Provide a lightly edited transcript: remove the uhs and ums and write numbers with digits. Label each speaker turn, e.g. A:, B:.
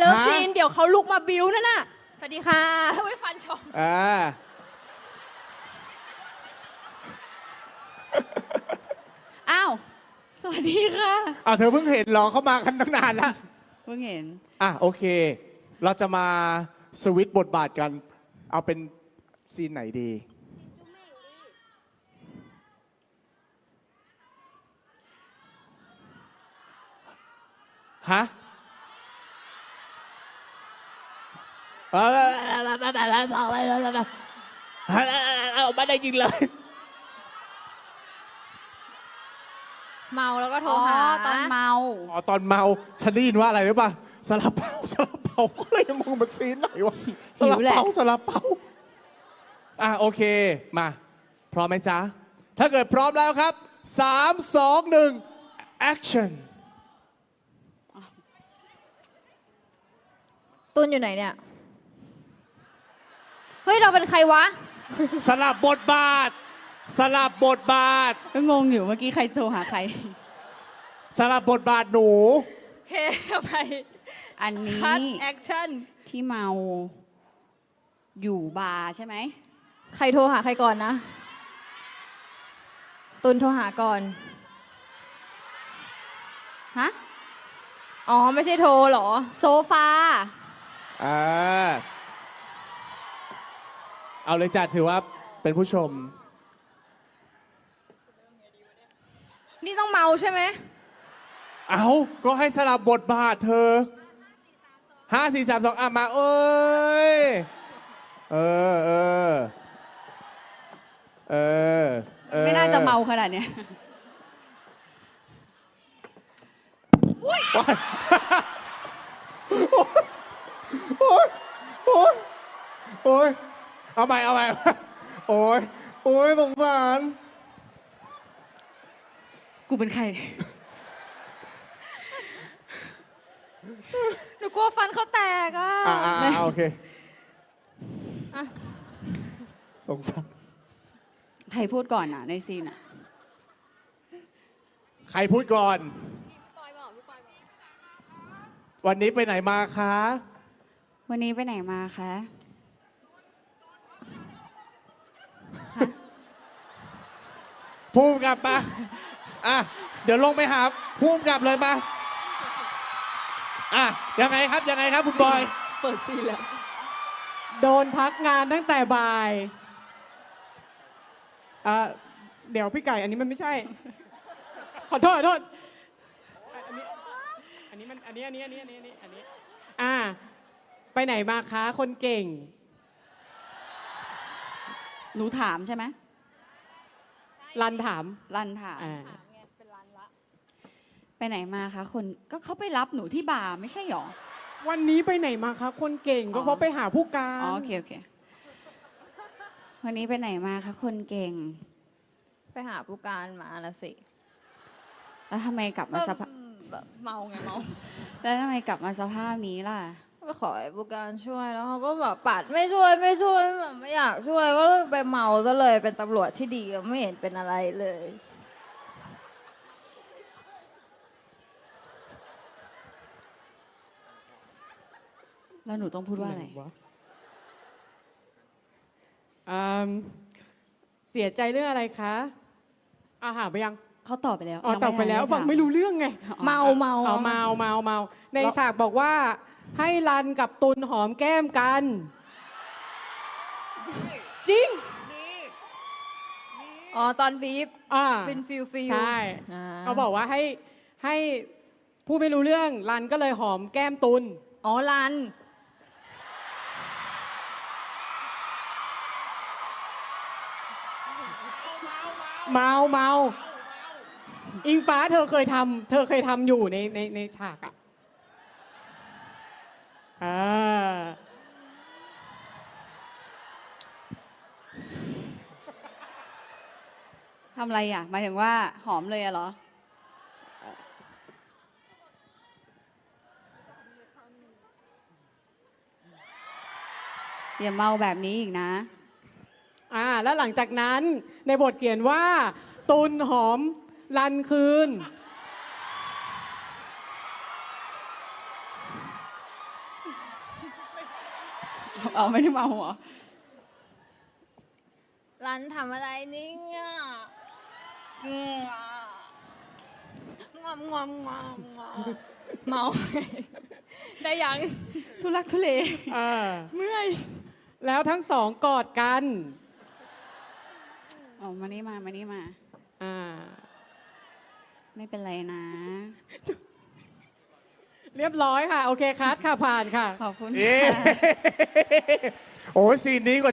A: เลิฟซีนเดี๋ยวเขาลุกมาบิ้วนั่นน่ะสวัสดีค่ะไว้ฟันชม
B: อ้าวสวัสดีค่ะ
C: เธอเพิ่งเห็นเหรอเขามากันตั้งนานแล้ว
B: เพิ่งเห็น
C: โอเคเราจะมาสวิตช์บทบาทกันเอาเป็นซีนไหนดีฮะไม่ได้ยิงเลย
A: เมาแล้วก็โทรหา
B: ตอนเมา
C: ตอนเมาฉันได้ยินว่าอะไรหรือเปล่าซาลาเปาก็เลยมองมันซีนไหนวะซาลาเปาโอเคมาพร้อมไหมจ๊ะถ้าเกิดพร้อมแล้วครับ3 2 1 action
A: ตุนอยู่ไหนเนี่ยเฮ้ยเราเป็นใครวะ
C: สลับบทบาท
B: ก็งงอยู่เมื่อกี้ใครโทรหาใคร
C: สลับบทบาทหนู
A: เคไป
B: อันนี้
A: คัทแอคชั่น
B: ที่เมาอยู่บาร์ใช่ไหม
A: ใครโทรหาใครก่อนนะตุนโทรหาก่อน
B: ฮะ
A: อ๋อไม่ใช่โทรหรอ
B: โซฟา
C: เอาเลยจัดถือว่าเป็นผู้ชม
A: นี่ต้องเมาใช่ไหม
C: ก็ให้สลับบทบาทเธอ5 4 3 2มาเอ้ย
B: ไม่น่าจะเมาขนาดเนี้ย
C: โอ๊ยเอาใหม่โอ๊ยสงสาร
B: กูเป็นใคร
A: หนูกลัวฟันเขาแตก
C: โอเคสงสาร
B: ใครพูดก่อนในซีน
C: ใครพูดก่อนวันนี้ไปไหนมาคะ
B: วันนี้ไปไหนมาคะ
C: ภูมิกับมาเดี๋ยวลงไปหาภูมิกับเลยมายังไงครับคุณบอย
A: เปิดซีแล้ว
D: โดนพักงานตั้งแต่บ่ายเดี๋ยวพี่ไก่อันนี้มันไม่ใช่ขอโทษอันนี้ไปไหนมาคะคนเก่ง
B: หนูถามใช่ไหม
D: รันถาม
A: เป็นรันละ
B: ไปไหนมาคะคนก็เขาไปรับหนูที่บาร์ไม่ใช่หรอ
D: วันนี้ไปไหนมาคะคนเก่งก็เพราะไปหาผู้การ
B: โอเควันนี้ไปไหนมาคะคนเก่ง
A: ไปหาผู้การมาละสิ
B: แล้วทำไมกลับมาสภาพ
A: เมาไงเมา
B: แล้วทำไมกลับมาสภาพนี้ล่ะ
A: ก็ขอให้ผู้การช่วยแล้วเขาก็แบบปัดไม่ช่วยแบบไม่อยากช่วยก็ไปเมาซะเลยเป็นตำรวจที่ดีไม่เห็นเป็นอะไรเลย
B: แล้วหนูต้องพูดว่าอะไร
D: เสียใจเรื่องอะไรคะหาไปยัง
B: เขาตอบไปแล้ว
D: ตอบไปแล้วฟังไม่รู้เรื่องไง
A: เมา
D: ในฉากบอกว่าให้รันกับตุลหอมแก้มกันจริง
A: ตอนบีบฟิล
D: ใช่เขาบอกว่าให้พูดไม่รู้เรื่องรันก็เลยหอมแก้มตุล
A: รัน
D: เมาอิงฟ้าเธอเคยทำอยู่ในฉาก
B: ทำอะไรหมายถึงว่าหอมเลยเหรออย่าเมาแบบนี้อีกนะ
D: แล้วหลังจากนั้นในบทเขียนว่าตุลหอมรันคืน
B: เอาไม่ได้เมาเหรอ
A: รันทำอะไรเนี่ยงอมงอมงอมงอมเมา ได้ยัง
B: ทุลักทุเล
D: เมื่อยแล้วทั้งสองกอดกัน
B: เอามานี่มานี่มา
D: อ่า
B: ไม่เป็นไรนะ
D: เรียบร้อยค่ะ โอเคคัดค่ะผ่านค่ะ
B: ขอบคุณ
C: เอ๊ะ
B: ค่ะ
C: โอ้ยซีนนี้กว่า